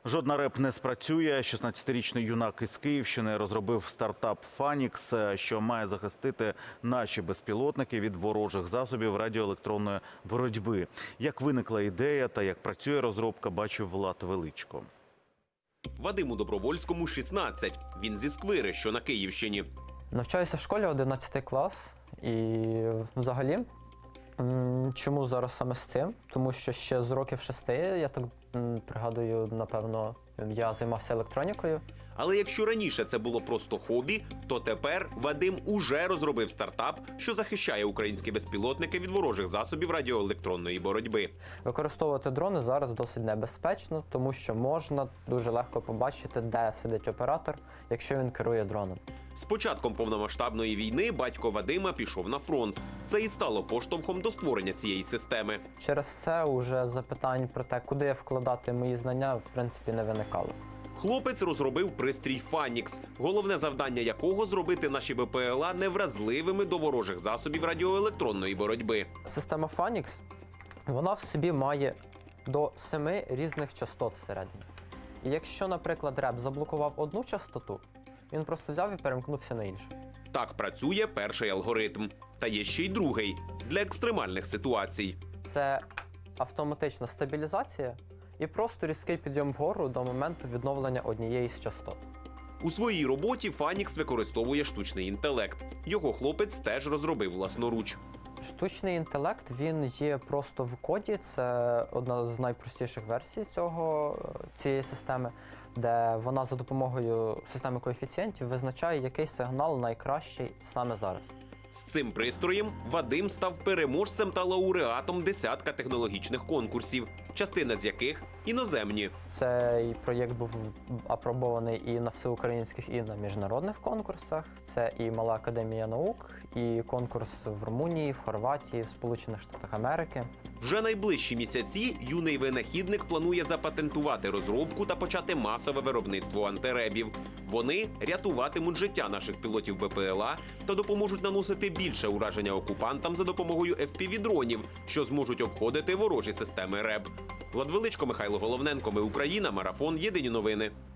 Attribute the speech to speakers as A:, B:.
A: Жодна РЕБ не спрацює. 16-річний юнак із Київщини розробив стартап «Фанікс», що має захистити наші безпілотники від ворожих засобів радіоелектронної боротьби. Як виникла ідея та як працює розробка, бачив Влад Величко.
B: Вадиму Добровольському 16. Він зі Сквири, що на Київщині.
C: Навчаюся в школі 11 клас і взагалі, чому зараз саме з цим? Тому що ще з років 6, я так пригадую, напевно, я займався електронікою.
B: Але якщо раніше це було просто хобі, то тепер Вадим уже розробив стартап, що захищає українські безпілотники від ворожих засобів радіоелектронної боротьби.
C: Використовувати дрони зараз досить небезпечно, тому що можна дуже легко побачити, де сидить оператор, якщо він керує дроном.
B: З початком повномасштабної війни батько Вадима пішов на фронт. Це і стало поштовхом до створення цієї системи.
C: Через це уже запитань про те, куди вкладати мої знання, в принципі, не виникало.
B: Хлопець розробив пристрій «Фанікс», головне завдання якого – зробити наші БПЛА невразливими до ворожих засобів радіоелектронної боротьби.
C: Система Фанікс, вона в собі має до 7 різних частот всередині. І якщо, наприклад, РЕБ заблокував одну частоту, він просто взяв і перемкнувся на іншу.
B: Так працює перший алгоритм. Та є ще й другий – для екстремальних ситуацій.
C: Це автоматична стабілізація і просто різкий підйом вгору до моменту відновлення однієї з частот.
B: У своїй роботі «Фанікс» використовує штучний інтелект. Його хлопець теж розробив власноруч.
C: Штучний інтелект, він є просто в коді, це одна з найпростіших версій цієї системи, де вона за допомогою системи коефіцієнтів визначає, який сигнал найкращий саме зараз.
B: З цим пристроєм Вадим став переможцем та лауреатом десятка технологічних конкурсів, частина з яких іноземні.
C: Цей проєкт був апробований і на всеукраїнських, і на міжнародних конкурсах. Це і Мала академія наук, і конкурс в Румунії, в Хорватії, в Сполучених Штатах Америки.
B: Вже найближчі місяці юний винахідник планує запатентувати розробку та почати масове виробництво антиребів. Вони рятуватимуть життя наших пілотів БПЛА та допоможуть наносити більше ураження окупантам за допомогою FPV-дронів, що зможуть обходити ворожі системи РЕБ. Влад Величко, Михайло Головненко. Ми Україна. Марафон. Єдині новини.